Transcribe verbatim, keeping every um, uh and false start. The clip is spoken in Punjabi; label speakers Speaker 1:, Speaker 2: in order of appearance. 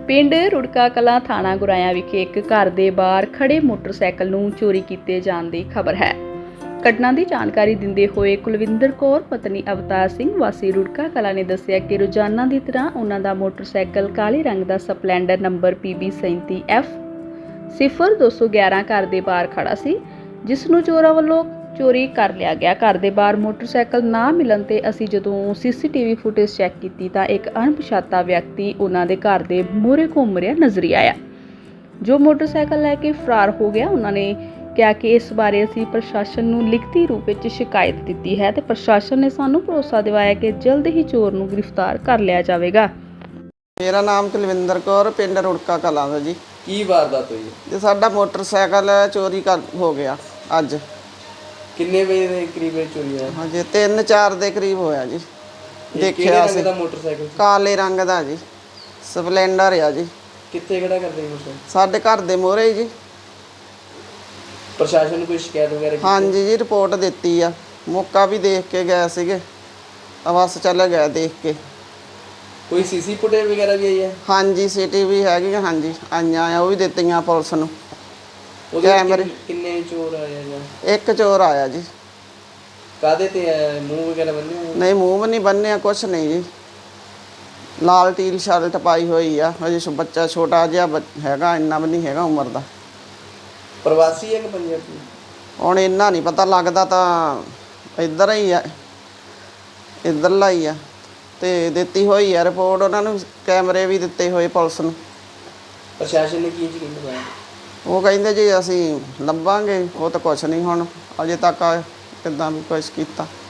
Speaker 1: ਪਿੰਡ ਰੁੜਕਾ ਕਲਾਂ ਥਾਣਾ ਗੁਰਾਇਆ ਵਿਖੇ ਇੱਕ ਘਰ ਦੇ ਬਾਹਰ ਖੜੇ ਮੋਟਰਸਾਈਕਲ ਨੂੰ ਚੋਰੀ ਕੀਤੇ ਜਾਣ ਦੀ ਖਬਰ ਹੈ। ਘਟਨਾ ਦੀ ਜਾਣਕਾਰੀ ਦਿੰਦੇ ਹੋਏ ਕੁਲਵਿੰਦਰ ਕੌਰ ਪਤਨੀ ਅਵਤਾਰ ਸਿੰਘ ਵਾਸੀ ਰੁੜਕਾ ਕਲਾਂ ਨੇ ਦੱਸਿਆ ਕਿ ਰੋਜ਼ਾਨਾ ਦੀ ਤਰ੍ਹਾਂ ਉਹਨਾਂ ਦਾ ਮੋਟਰਸਾਈਕਲ ਕਾਲੇ ਰੰਗ ਦਾ ਸਪਲੈਂਡਰ ਨੰਬਰ ਪੀ ਬੀ ਸੈਂਤੀ ਐਫ ਸਿਫਰ ਦੋ ਸੌ ਗਿਆਰਾਂ ਘਰ ਦੇ ਬਾਹਰ ਖੜਾ ਸੀ, ਜਿਸ ਨੂੰ ਚੋਰਾਂ ਵੱਲੋਂ ਚੋਰੀ ਕਰ ਲਿਆ ਗਿਆ। ਘਰ ਦੇ ਬਾਹਰ ਮੋਟਰਸਾਈਕਲ ਨਾ ਮਿਲਣ ਤੇ ਅਸੀਂ ਜਦੋਂ C C T V footage check ਕੀਤੀ ਤਾਂ ਇੱਕ ਅਣਪਛਾਤਾ ਵਿਅਕਤੀ ਉਹਨਾਂ ਦੇ ਘਰ ਦੇ ਮੂਹਰੇ ਘੁੰਮ ਰਿਹਾ ਨਜ਼ਰ ਆਇਆ, ਜੋ ਮੋਟਰਸਾਈਕਲ ਲੈ ਕੇ ਫਰਾਰ ਹੋ ਗਿਆ। ਉਹਨਾਂ ਨੇ ਕਿਹਾ ਕਿ ਇਸ ਬਾਰੇ ਅਸੀਂ ਪ੍ਰਸ਼ਾਸਨ ਨੂੰ ਲਿਖਤੀ ਰੂਪ ਵਿੱਚ ਸ਼ਿਕਾਇਤ ਦਿੱਤੀ ਹੈ ਤੇ ਪ੍ਰਸ਼ਾਸਨ ਨੇ ਸਾਨੂੰ ਭਰੋਸਾ ਦਿਵਾਇਆ ਕਿ ਜਲਦ ਹੀ ਚੋਰ ਨੂੰ ਗ੍ਰਿਫਤਾਰ ਕਰ ਲਿਆ ਜਾਵੇਗਾ।
Speaker 2: ਮੇਰਾ ਨਾਮ ਕੁਲਵਿੰਦਰ ਕੌਰ, ਪਿੰਡ ਰੁੜਕਾ ਕਲਾਂ ਦਾ ਜੀ।
Speaker 3: ਕੀ ਵਾਰਦਾਤ ਹੋਈ ਹੈ?
Speaker 2: ਤੇ ਸਾਡਾ ਮੋਟਰਸਾਈਕਲ ਚੋਰੀ ਕਰ ਹੋ ਗਿਆ ਅੱਜ।
Speaker 3: ਕਿੰਨੇ ਵਜੇ ਦੇ ਕਰੀਬ ਚੋਰੀ ਹੋਇਆ?
Speaker 2: ਹਾਂਜੀ ਤਿੰਨ ਚਾਰ ਦੇ ਕਰੀਬ ਹੋਇਆ ਜੀ।
Speaker 3: ਦੇਖਿਆ ਸੀ ਦਾ ਮੋਟਰਸਾਈਕਲ
Speaker 2: ਕਾਲੇ ਰੰਗ ਦਾ ਜੀ, ਸਪਲੈਂਡਰ ਆ ਜੀ।
Speaker 3: ਕਿੱਥੇ ਖੜਾ ਕਰਦੇ ਮੋਟਰਸਾਈਕਲ?
Speaker 2: ਸਾਡੇ ਘਰ ਦੇ ਮੂਹਰੇ ਜੀ।
Speaker 3: ਪ੍ਰਸ਼ਾਸਨ ਨੂੰ ਕੋਈ ਸ਼ਿਕਾਇਤ ਵਗੈਰਾ ਕੀਤੀ?
Speaker 2: ਹਾਂਜੀ ਜੀ, ਰਿਪੋਰਟ ਦਿੱਤੀ ਆ, ਮੌਕਾ ਵੀ ਦੇਖ ਕੇ ਗਏ ਸੀਗੇ, ਬਸ ਚੱਲ ਗਏ ਦੇਖ ਕੇ।
Speaker 3: ਕੋਈ ਸੀਸੀ ਫੁਟੇਜ ਵਗੈਰਾ ਵੀ ਆਈ ਹੈ?
Speaker 2: ਹਾਂਜੀ ਸੀ ਟੀ ਵੀ ਹੈਗੀ, ਹਾਂਜੀ ਆਈਆਂ ਆ, ਉਹ ਵੀ ਦਿੱਤੀਆਂ ਪੁਲਿਸ ਨੂੰ।
Speaker 3: ਉਹਦੇ
Speaker 2: ਕੈਮਰੇ
Speaker 3: ਕਿੰਨੇ ਚੋਰ ਆਏ ਜਾਂ
Speaker 2: ਇੱਕ ਚੋਰ ਆਇਆ ਜੀ।
Speaker 3: ਕਾਦੇ ਤੇ ਆਇਆ? ਮੂੰਹ ਵਗੈਰਾ ਬੰਨੇ ਹੋਏ?
Speaker 2: ਨਹੀਂ, ਮੂੰਹ ਵੀ ਨਹੀਂ ਬੰਨਿਆ, ਕੁਛ ਨਹੀਂ ਜੀ। ਲਾਲ ਟੀ ਸ਼ਰਟ ਪਾਈ ਹੋਈ ਆ, ਅਜੇ ਬੱਚਾ ਛੋਟਾ ਜਿਹਾ ਹੈਗਾ, ਇੰਨਾ ਵੀ ਨਹੀਂ ਹੈਗਾ ਉਮਰ ਦਾ।
Speaker 3: ਪ੍ਰਵਾਸੀ ਹੈ ਕਿ ਪੰਜਾਬੀ?
Speaker 2: ਹੁਣ ਇੰਨਾ ਨਹੀਂ ਪਤਾ ਲੱਗਦਾ, ਤਾਂ ਇੱਧਰ ਹੀ ਆ, ਇੱਧਰਲਾ ਹੀ ਆ। ਤੇ ਦਿੱਤੀ ਹੋਈ ਆ ਰਿਪੋਰਟ ਉਹਨਾਂ ਨੂੰ, ਕੈਮਰੇ ਵੀ ਦਿੱਤੇ ਹੋਏ ਪੁਲਿਸ ਨੂੰ।
Speaker 3: ਪ੍ਰਸ਼ਾਸਨ ਨੇ ਕੀ ਯਕੀਨ ਦਿਵਾਇਆ?
Speaker 2: ਉਹ ਕਹਿੰਦੇ ਜੀ ਅਸੀਂ ਲੱਭਾਂਗੇ, ਉਹ ਤਾਂ ਕੁਛ ਨਹੀਂ ਹੁਣ ਅਜੇ ਤੱਕ ਕਿੱਦਾਂ ਵੀ ਕੁਛ ਕੀਤਾ।